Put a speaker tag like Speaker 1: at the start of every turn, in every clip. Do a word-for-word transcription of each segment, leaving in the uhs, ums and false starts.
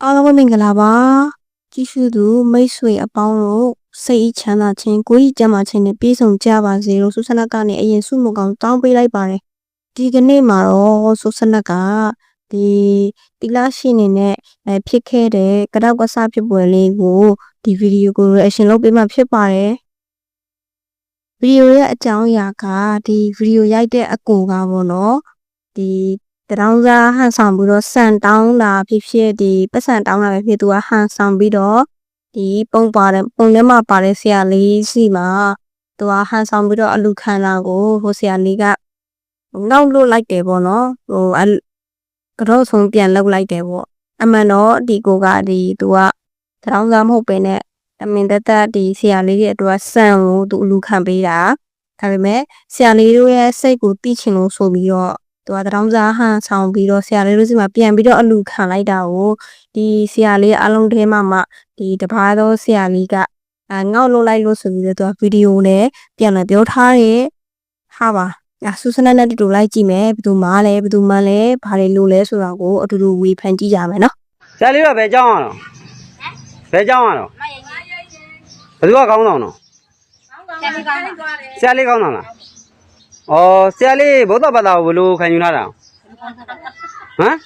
Speaker 1: အားလုံးပဲမင်္ဂလာပါကြည့်ရှုသူမိတ်ဆွေအပေါင်းတို့စိတ်ချမ်းသာခြင်းကိုယ်ကြီးကျန်းမာခြင်းနဲ့ပြည့်စုံကြပါစေလို့ဆုဆနတ်ကနေအရင်ဆုမကောင်တောင်းပေးလိုက်ပါတယ်ဒီကနေ့မှာတော့ဆုဆနတ်ကဒီတီလာရှိနေနဲ့အဲဖြစ်ခဲ့တဲ့ကတောက်ကစားဖြစ်ပွဲလေးကိုဒီဗီဒီယိုကို reaction လုပ်ပေးမှဖြစ်ပါတယ်ဗီဒီယိုရဲ့အကြောင်းအရာကဒီဗီဒီယိုရိုက်တဲ့အကူကပေါ့နော်ဒီတရောင်းစားဟန်ဆောင်ပြီးတော့စံတောင်းတာဖြစ်ဖြစ်ဒီပတ်စံတောင်းတာပဲဖြစ်သူကဟန်ဆောင်ပြီးတော့ဒီပုံပါတယ်ပုံထဲမှာပါတဲ့ဆရာလေးစီမှာသူကဟန်ဆောင်ပြီးတော့အလူခံတာကိုဟိုဆရာလေးကငေါက်လို့လိုက်တယ်ပေါ့နော်ဟိုကတော့ဆုံးပြန်လောက်လိုက်တယ်ပေါ့အမှန်တော့ဒီကိုကဒီသူကတရောင်းစားမဟုတ်ပဲနဲ့အမင်တသက်ဒီဆရာလေးရဲ့အတွက်စံကိုသူအလူခံပေးတာဒါပေမဲ့ဆရာလေးတို့ရဲ့စိတ်ကိုသိချင်လို့ဆိုပြီးတော့သူကတရောင်းစားဟန်ဆောင်ပြီးတော့ဆရာလေးတို့စီမှာပြန်ပြီးတော့အလူခံလိုက်တာကိုဒီဆရာလေးအလုံးထဲမှာမှဒီတပားသောဆရာလေးကငေါက်လို့လိုက်လို့ဆိုပြီးတော့သူကဗီဒီယိုနဲ့ပြန်လာပြောထားတယ်ဟာပါအဆူစနက်နဲ့တူတူလိုက်ကြည့်မယ်ဘယ်သူမှလဲဘယ်သူမှလဲဘာတွေလို့လဲဆိုတာကိုအတူတူဝေဖန်ကြည့်ကြမယ်နော်
Speaker 2: ဆရာလေးကဘယ်ကြောင်းရအောင်ဘယ်ကြောင်းရအောင်ဘယ်သူကကောင်းဆောင်တော့ဆရာလေးကောင်းဆောင်လားဩဆရာလေးဗုဒ္ဓဘာသာကိုဘယ်လိုခံယူလာတာဟမ်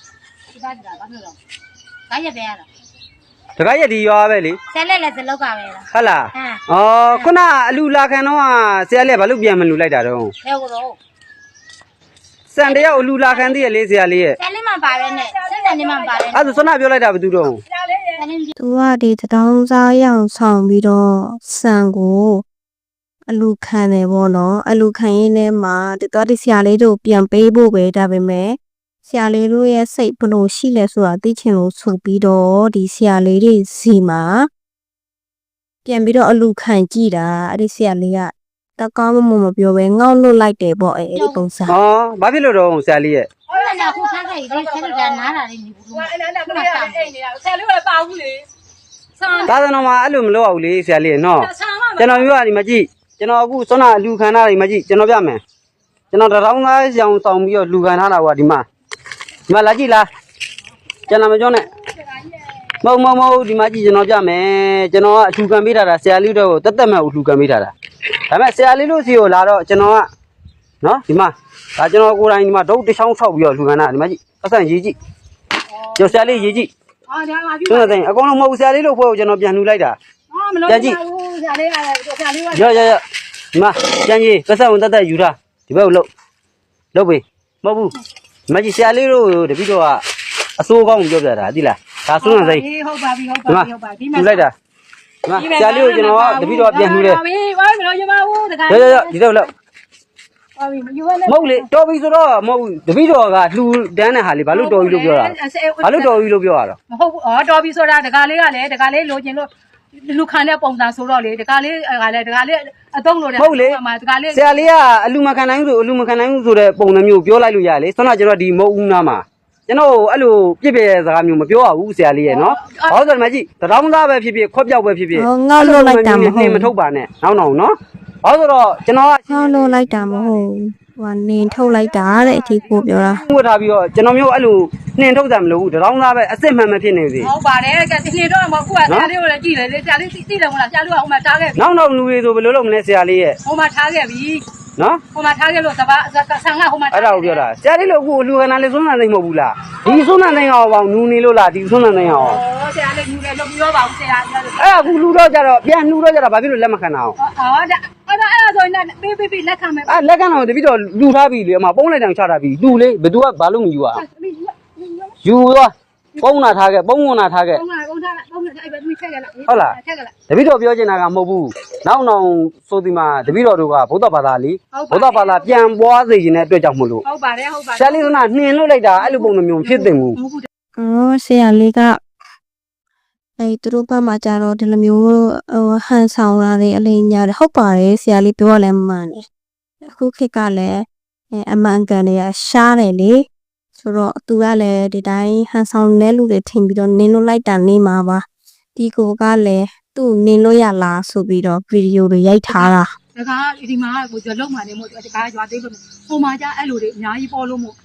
Speaker 3: ဒါရက်ပဲရတာ
Speaker 2: တခါရက်ဒီရွာပဲလေ
Speaker 3: ဆယ်လက်လက်စလောက်ကပဲလား
Speaker 2: ဟုတ်လားဩခုနအလူလာခံတော့ဆရာလေးဘာလို့ပြန်မလူလိုက်တာတော့
Speaker 3: ဘယ်ကိုတော့
Speaker 2: စံတယောက်အလူလာခံသေးရလေဆရာလေးရဲ့
Speaker 3: ဆယ်လေးမှပါပဲနဲ့စက်နေမှပါတယ်
Speaker 2: အဲ့ဒါဆွမ်းနာပြောလိုက်တာဘယ်သူတော့
Speaker 1: သူကဒီတောင်းစားရအောင်ဆောင်ပြီးတော့စံကိုအလူခံတယ်ပေါ့နော်အလူခံရင်းနဲ့မှာဒီတော့ဒီဆရာလေးတို့ပြန်ပေးဖို့ပဲဒါပေမဲ့ဆရာလေးတို့ရဲ့စိတ်ဘလို့ရှိလဲဆိုတာသိချင်လို့ဆိုပြီးတော့ဒီဆရာလေးတွေစီမှာပြန်ပြီးတော့အလူခံကြည့်တာအဲ့ဒီဆရာလေးကတကောင်းမမပြောပဲငေါက်လွတ်လိုက်တယ်ပေါ့အဲ့ဒီပုံစံ
Speaker 2: ဟောဘာဖြစ်လို့တော့ဆရာလေးရဲ့
Speaker 3: ဟုတ်လားညာခုထားခဲ့ဒီဆယ်လက်ကနားတာလေးနေဘူးဟိုအဲ့ဒါကလေးကအိတ်နေတာဆယ်လေးကလည်းပါဘူးလေ
Speaker 2: သာသနာမှာအဲ့လိုမလုပ်အောင်လေဆရာလေးနော်ကျွန်တော်ပြောရဒီမကြည့်ကျွန်တော်အခုဆွမ်းနာလူခံထားတယ်မကြည့်ကျွန်တော်ပြမယ်ကျွန်တော်တရောင်းသားရောင်ဆောင်ပြီးတော့လူခံထားတာကွာဒီမှာဒီမှာလာကြည့်လားကျွန်တော်မပြောနဲ့မဟုတ်မဟုတ်မဟုတ်ဒီမှာကြည့်ကျွန်တော်ပြမယ်ကျွန်တော်ကအထူခံပေးထားတာဆရာလေးတို့ကိုတက်တက်မဲ့အထူခံပေးထားတာဒါပေမဲ့ဆရာလေးတို့စီကိုလာတော့ကျွန်တော်ကနော်ဒီမှာဒါကျွန်တော်ကိုယ်တိုင်ဒီမှာဒုတ်တစ်ချောင်းဆောက်ပြီးတော့လူခံတာဒီမှာကြည့်အဆန်ရေးကြည့်ကျွန်တော်ဆရာလေးရေးကြည့်
Speaker 3: အော်ဒါပါပြီ
Speaker 2: ကျွန်တော်အကုန်လုံးမဟုတ်ဆရာလေးတို့ဖွဲ့ကိုကျွန်တော်ပြန်လှူလိုက်တာ
Speaker 3: အော်မလို့ပြန်ကြည့်ဆရာလေးကဆရာလေးက
Speaker 2: ရရရဒီမှာပြန်ကြည့်ပတ်စံဝင်တက်တက်ယူထားဒီဘက်ကိုလှုပ်လှုပ်ပြီမဟုတ်ဘူးဒီမှာကြည့်ဆရာလေးတို့တပည့်တော်ကအစိုးကောင်းပြောပြတာသိလားဒါဆွမ်းနိုင်စိ
Speaker 3: ဟုတ်ပါပြီဟုတ်ပါပြီဟုတ်ပါပြီ
Speaker 2: ဒီမှာလှူလိုက်တာဒီမှာဆရာလေးကိုကျွန်တော်ကတပည့်တော်ပြန်လှူတယ်
Speaker 3: ဟုတ်ပြီဘာမလို့ရပါဘူးတခါ
Speaker 2: ရရရဒီတော့လှုပ်
Speaker 3: ဟုတ်ပြီမယူရနဲ့
Speaker 2: မဟုတ်လေတော်ပြီဆိုတော့မဟုတ်တပည့်တော်ကလှူတန်းတဲ့ဟာလေးဘာလို့တော်ပြီလို့ပြောတာဘာလို့တော်ပြီလို့ပြောရတော့
Speaker 3: မဟုတ်ဘူးဩတော်ပြီဆိုတာတခါလေးကလည်းတခါလေးလိုချင်လို့လူခံတဲ့ပုံစံဆိုတော့လေတခါလေးကလည်းတခါလေးအသုံးလို့တဲ့
Speaker 2: ဟုတ်လေ
Speaker 3: မှာတခါလေး
Speaker 2: ဆရာလေးကအလူမခံနိုင်ဘူးဆိုအလူမခံနိုင်ဘူးဆိုတဲ့ပုံစံမျိုးပြောလိုက်လို့ရလေဆွမ်းနာကျွန်တော်ဒီမဟုတ်ဦးနာမှာကျွန်တော်အဲ့လိုပြစ်ပြဲစကားမျိုးမပြောရဘူးဆရာလေးရဲ့နော်ဘာလို့ဆိုမှကြည့်တရောင်းသားပဲဖြစ်ဖြစ်ခွက်ပြောက်ပဲဖြစ်ဖြစ်
Speaker 1: ငေါက်လွတ်လိုက်တာမဟုတ်
Speaker 2: မထုတ်ပါနဲ့နောက်နောက်နော်ဘာလို့ဆိုတော့ကျွန်တော်က
Speaker 1: ငေါက်လွတ်လိုက်တာမဟုတ်ဟိုကနေထုတ်လိုက်တာတဲ့အထီးကိုပြောတာ
Speaker 2: ဝတ်ထားပြီးတော့ကျွန်တော်မျိုးအဲ့လိုနှင်ထုတ်တာမလို့ဘူးတရောင်းသားပဲအစ်စ်မှန်မှဖြစ်နေစီ
Speaker 3: ဟုတ်ပါတယ်ကနှင်တော့မဟုတ်ခုကဆရာလေးကိုလည်းကြည့်တယ်လေဆရာလေးသိတယ်မဟုတ်လားဆရာလေးကဟိုမှာထားခဲ့ပြီ
Speaker 2: နောက်နောက်လူတွေဆိုဘယ်လိုလုပ်မလဲဆရာလေးရဲ့
Speaker 3: ဟိုမှာထားခဲ့ပြီ
Speaker 2: နော်
Speaker 3: ဟိုမှာထားခဲ့လို့သဘာဆန်ကဟိုမှာ
Speaker 2: အဲ့ဒါကိုပြောတာဆရာလေးလို့အခုလူခဏလေးစွန်းနိုင်သိမ့်မဟုတ်ဘူးလားဒီစွန်းနိုင်သိမ့်အောင်ပေါ့နူနေလို့လားဒီစွန်းနိုင်သိမ့်အောင်
Speaker 3: ဩဆရာလေးနူတယ်လို့ပြောပါဦးဆရာ
Speaker 2: အဲ့အခုလူတော့ကြတော့ပြန်လူတော့ကြတော့ဘာဖြစ်လို့လက်မခံအောင်
Speaker 3: ဩဒါအဲ့ဒါအဲ့ဒါဆိုရင်ပေးပေးပေးလက်ခံမယ်
Speaker 2: အဲ့လက်ခံတော့တပိတော့လူထားပြီလေအမပုံးလိုက်တောင်ချတာပြီလူလေဘယ်သူကဘာလို့မယူอ่ะယူသွားပုံးနာထားခဲ့ပုံးဝင်နာထားခဲ့
Speaker 3: ပုံးနာပုံးထားပုံးနာအဲ့ဘယ်သူထက်ကလား
Speaker 2: ဟုတ်လားထက်ကလားတပိတော့ပြောချင်တာကမဟုတ်ဘူးနောက်နောက်ဆိုဒီမှာတပိတော့တို့ကဗုဒ္ဓဘာသာလीဗုဒ္ဓဘာသာပြန်ပွားစေခြင်းတဲ့အတွက်ကြောင့်မလို့
Speaker 3: ဟုတ်ပါတယ်ဟုတ်ပါတယ်
Speaker 2: ဆရာလေးကနှင်လွတ်လိုက်တာအဲ့လိုပုံစံမျိုးဖြစ်တင်ဘူး
Speaker 1: အော်ဆရာလေးကအဲသူတို့ဘက်မှာကြတော့ဒီလိုမျိုးဟိုဟန်ဆောင်တာတွေအလိညာတယ်ဟုတ်ပါတယ်ဆရာလေးပြောရလဲမှန်တယ်အခုခေတ်ကလည်းအဲအမှန်ကန်တွေကရှားတယ်လေဆိုတော့သူကလည်းဒီတိုင်းဟန်ဆောင်တဲ့လူတွေထင်ပြီးတော့နင်းလို့လိုက်တာနေမှာပါဒီကိုကလည်းသူ့နင်းလို့ရလားဆိုပြီးတော့ဗီဒီယိုတွေရိုက်ထားတာ
Speaker 3: ဒါကဒီမှာကိုကြလုံးမှနေမို့ဒီကရွာသေးလို့ဟိုမှာကြအဲ့လိုတွေအများကြီးပေါ်လို့မို့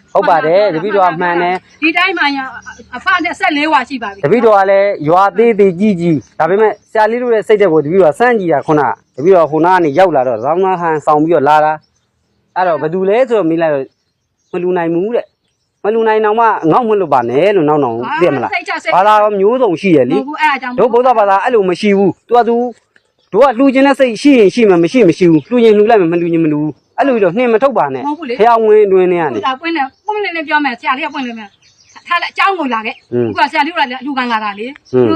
Speaker 2: ဟုတ်ပါတယ်တပည့်တော်ကမှန်တယ်
Speaker 3: ဒီတိုင်းမှအဖနဲ့ဆက်လေးဝါရှိပါပြီ
Speaker 2: တပည့်တော်ကလည်းရွာသေးသေးကြီးကြီးဒါပေမဲ့ဆရာလေးတို့ရဲ့စိတ်တဲ့ကိုတပည့်တော်စမ်းကြည့်တာခုနတပည့်တော်ခုနကနေရောက်လာတော့ရောင်းသားဟန်ဆောင်ပြီးတော့လာတာအဲ့တော့ဘယ်သူလဲဆိုတော့မိလိုက်မလူနိုင်ဘူးတဲ့မလူနိုင်တော့မှငေါ့မလွတ်ပါနဲ့လို့နောက်နောက်သိရမလားဘာသာမျိုးစုံရှိရလေ
Speaker 3: ဟုတ်အဲ့ဒါကြောင့်
Speaker 2: တို့ဗုဒ္ဓဘာသာအဲ့လိုမရှိဘူးသူကသူတို့ကလှူခြင်းတဲ့စိတ်ရှိရင်ရှိမှမရှိမရှိဘူးလှူရင်လှူလိုက်မှမလှူရင်မလှူဘူးအဲ့လိုပြီးတော့နှင်မထုတ်ပါနဲ့ဖျောင်းဝင်တွင်နေရတယ်
Speaker 3: ဒါပွင့်နေပွင့်နေနေပြောမယ်ဆရာလေးကပွင့်နေမယ်ထားလိုက်အเจ้าကိုလာခဲ့ခုကဆရာလေးကလည်းအလူခံလာတာလေ